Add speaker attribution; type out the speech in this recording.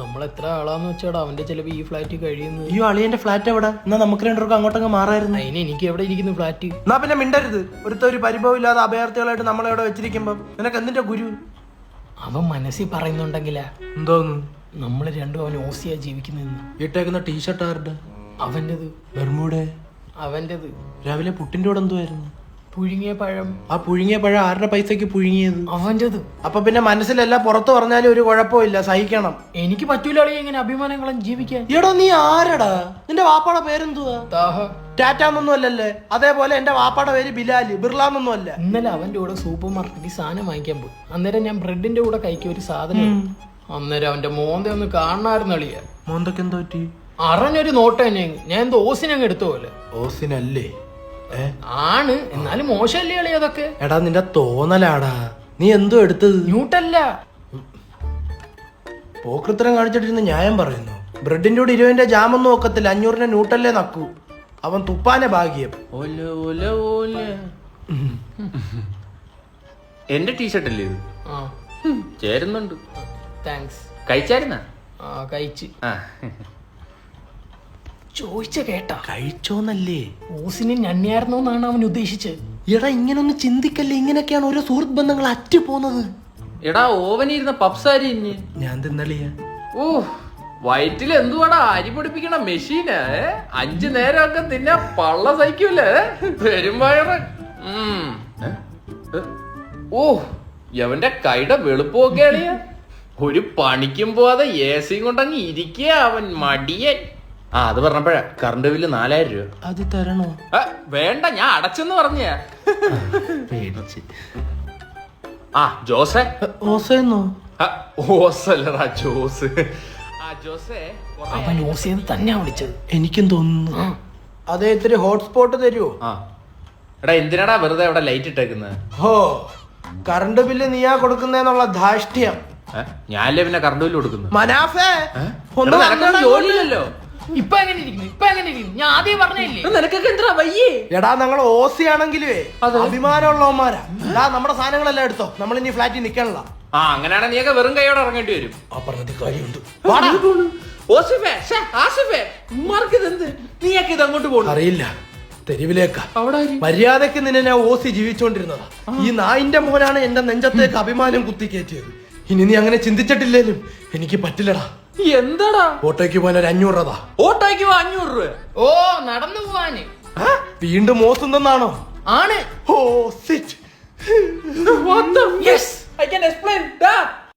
Speaker 1: നമ്മൾ എത്ര ആളാന്ന് വെച്ചാടാ അവന്റെ ചിലപ്പോ ഈ ഫ്ലാറ്റ് കഴിയുന്നു.
Speaker 2: ഈ അളിയന്റെ ഫ്ലാറ്റ് എവിടെ? എന്നാ നമുക്ക് രണ്ടുപേർക്കും അങ്ങോട്ടങ്ങ് മാറായിരുന്നു.
Speaker 1: അതിന് എനിക്ക് എവിടെ ഇരിക്കുന്നു ഫ്ലാറ്റ്?
Speaker 2: എന്നാ പിന്നെ മിണ്ടരുത്. ഒരു പരിഭവം ഇല്ലാതെ അഭയാർത്ഥികളായിട്ട് നമ്മളെവിടെ വെച്ചിരിക്കുമ്പോ നിനക്ക് എന്തിന്റെ ഗുരു?
Speaker 1: അവൻ മനസ്സിൽ പറയുന്നുണ്ടെങ്കിലാ
Speaker 2: എന്തോന്നു
Speaker 1: നമ്മള് രണ്ടും അവൻ ഓസിയാ ജീവിക്കുന്നെന്ന്.
Speaker 2: ഇട്ടേക്കുന്ന ടീഷർട്ട് ആരുടെ?
Speaker 1: അവന്റേത്.
Speaker 2: ബെർമൂടെ
Speaker 1: അവന്റേത്.
Speaker 2: രാവിലെ പുട്ടിന്റെ കൂടെ എന്തുവായിരുന്നു?
Speaker 1: പുഴുങ്ങിയ പഴം.
Speaker 2: ആ പുഴുങ്ങിയ പഴം ആരുടെ പൈസക്ക് പുഴുങ്ങിയത്?
Speaker 1: അവന്റേത്.
Speaker 2: അപ്പൊ പിന്നെ മനസ്സിലല്ല പുറത്ത് പറഞ്ഞാലും ഒരു കുഴപ്പമില്ല, സഹിക്കണം.
Speaker 1: എനിക്ക് പറ്റൂല അളിയ ഇങ്ങനെ അഭിമാനങ്ങളും ജീവിക്കാൻ.
Speaker 2: എടോ നീ ആരടാ? നിന്റെ വാപ്പാടെ പേരെന്തുവാ?
Speaker 1: താഹ.
Speaker 2: ടാറ്റാന്നൊന്നും അല്ലല്ലേ? അതേപോലെ എന്റെ വാപ്പാടെ പേര് ബിലാല്, ബിർലാന്നൊന്നും അല്ല.
Speaker 1: ഇന്നലെ അവന്റെ കൂടെ സൂപ്പർ മാർക്കറ്റിൽ സാധനം വാങ്ങിക്കാൻ പോയി. അന്നേരം ഞാൻ ബ്രെഡിന്റെ കൂടെ കഴിക്കിയ ഒരു സാധനം. അന്നേരം അവന്റെ മോന്ത ഒന്ന് കാണാറുന്ന അളിയ.
Speaker 2: മോന്തൊക്കെ എന്തോ പറ്റി?
Speaker 1: അറിഞ്ഞൊരു നോട്ട് തന്നെ. ഞാൻ എന്തോ ഓസിനങ്ങ് എടുത്ത പോലെ.
Speaker 2: ഓസിനല്ലേ?
Speaker 1: ആണ്, എന്നാലും മോശമല്ലേ അളിയ അതൊക്കെ.
Speaker 2: എടാ നിന്റെ തോന്നലാടാ. നീ എന്തോ എടുത്തത്?
Speaker 1: ന്യൂട്ടല്ല.
Speaker 2: പോക്കൃത്തരം കാണിച്ചിട്ടിരുന്ന് ന്യായം പറയുന്നു. ബ്രെഡിന്റെ കൂടെ 20 ജാമൊന്നും ഒക്കത്തില്ല, 500 ന്യൂട്ടല്ലേ നക്കൂ. അവൻ തുപ്പാനെ ഭാഗ്യം.
Speaker 3: എന്റെ ടീഷർട്ട് അല്ലേ ഇത്? ചേരുന്നുണ്ട്.
Speaker 1: താങ്ക്സ്.
Speaker 3: കഴിച്ചായിരുന്ന?
Speaker 1: കഴിച്ച്. ചോദിച്ച കേട്ടാ?
Speaker 2: കഴിച്ചോന്നല്ലേ?
Speaker 1: ഓസിന് ഞണ്ണിയായിരുന്നോന്നാണ് അവൻ ഉദ്ദേശിച്ചത്.
Speaker 2: എടാ ഇങ്ങനൊന്നും ചിന്തിക്കല്ലേ. ഇങ്ങനെയൊക്കെയാണ് ഓരോ സുഹൃത്ത് ബന്ധങ്ങൾ അറ്റു പോകുന്നത്.
Speaker 3: എടാ ഓവനിരുന്ന പപ്സാരി ഇഞ്ഞ്
Speaker 2: ഞാൻ തിന്നളിയ.
Speaker 3: ഓ വയറ്റിൽ എന്തുവാടാ അരി പൊടിപ്പിക്കണ മെഷീന്. 5 നേരമൊക്കെ തിന്നാ പള്ള സഹിക്കൂലേ പെരുമ്പയറ്. ഓ എവന്റെ കൈയുടെ വെളുപ്പൊക്കെ അളിയ. ഒരു പണിക്കും പോവാതെ AC കൊണ്ടങ്ങ് ഇരിക്കുക അവൻ മടിയൻ. അത് പറഞ്ഞപ്പോഴാ കറണ്ട് ബില്ല് 4000 രൂപ.
Speaker 2: അത് തരണോ?
Speaker 3: വേണ്ട, ഞാൻ അടച്ചെന്ന് പറഞ്ഞ.
Speaker 2: പേടിച്ച്.
Speaker 3: ജോസേ.
Speaker 2: ഓസേന്നോ?
Speaker 3: ഓസല്ലടാ ജോസ്. ജോസേ
Speaker 1: അവൻ ഓസിയെന്ന് തന്നെ വിളിച്ചത്.
Speaker 2: എനിക്കും തോന്നുന്നു. അതെ, ഇത്തിരി ഹോട്ട്സ്പോട്ട് തരുമോ?
Speaker 3: എടാ എന്തിനാടാ വെറുതെ അവിടെ ലൈറ്റ് ഇട്ടേക്കുന്നത്?
Speaker 2: ഹോ, കറണ്ട് ബില്ല് നീയാ കൊടുക്കുന്നേന്നുള്ള ധാഷ്ട്യം.
Speaker 3: ഞാനല്ലേ പിന്നെ കറണ്ട് ബില്ല് കൊടുക്കുന്നു.
Speaker 2: മനാഫേ
Speaker 3: ജോലിയില്ലല്ലോ.
Speaker 1: ഇപ്പൊ എങ്ങനെ ഇരിക്കുന്നു? ഞാൻ ആദ്യം പറഞ്ഞില്ലേ
Speaker 3: നിനക്കൊക്കെ എന്തിനാ വയ്യേ?
Speaker 2: എടാ ഞങ്ങൾ ഓസി ആണെങ്കിലേ അഭിമാനമുള്ളവന്മാരാ. നമ്മുടെ സാധനങ്ങളെല്ലാം എടുത്തോ, നമ്മൾ ഇനി ഫ്ലാറ്റിൽ നിക്കണല്ലോ.
Speaker 3: അങ്ങനെയാണെങ്കിൽ നീയൊക്കെ വെറും കൈയോടെ ഇറങ്ങേണ്ടി വരും.
Speaker 2: ആ പറഞ്ഞത് കാര്യമുണ്ട്.
Speaker 3: നീയൊക്കെ ഇത് അങ്ങോട്ട് പോകും
Speaker 2: അറിയില്ല. തെരുവിലേക്കാ. മര്യാദക്ക് നിന്നെ ഓസി ജീവിച്ചോണ്ടിരുന്നതാ. ഈ നായിന്റെ മോനാണ് എന്റെ നെഞ്ചത്തേക്ക് അഭിമാനം കുത്തിക്കയറ്റിയത്. ഇനി നീ അങ്ങനെ ചിന്തിച്ചിട്ടില്ലേലും എനിക്ക് പറ്റില്ലടാ.
Speaker 3: എന്താടാ?
Speaker 2: ഓട്ടോയ്ക്ക് പോകാൻ ഒരു 500 രൂപ.
Speaker 3: ഓട്ടോയ്ക്ക് 500 രൂപ?
Speaker 1: ഓ നടന്നു പോവാന്.
Speaker 2: വീണ്ടും ഓസുന്നാണോ?
Speaker 1: ആണ്.
Speaker 2: Oh shit.
Speaker 3: What the? Yes, I can explain that.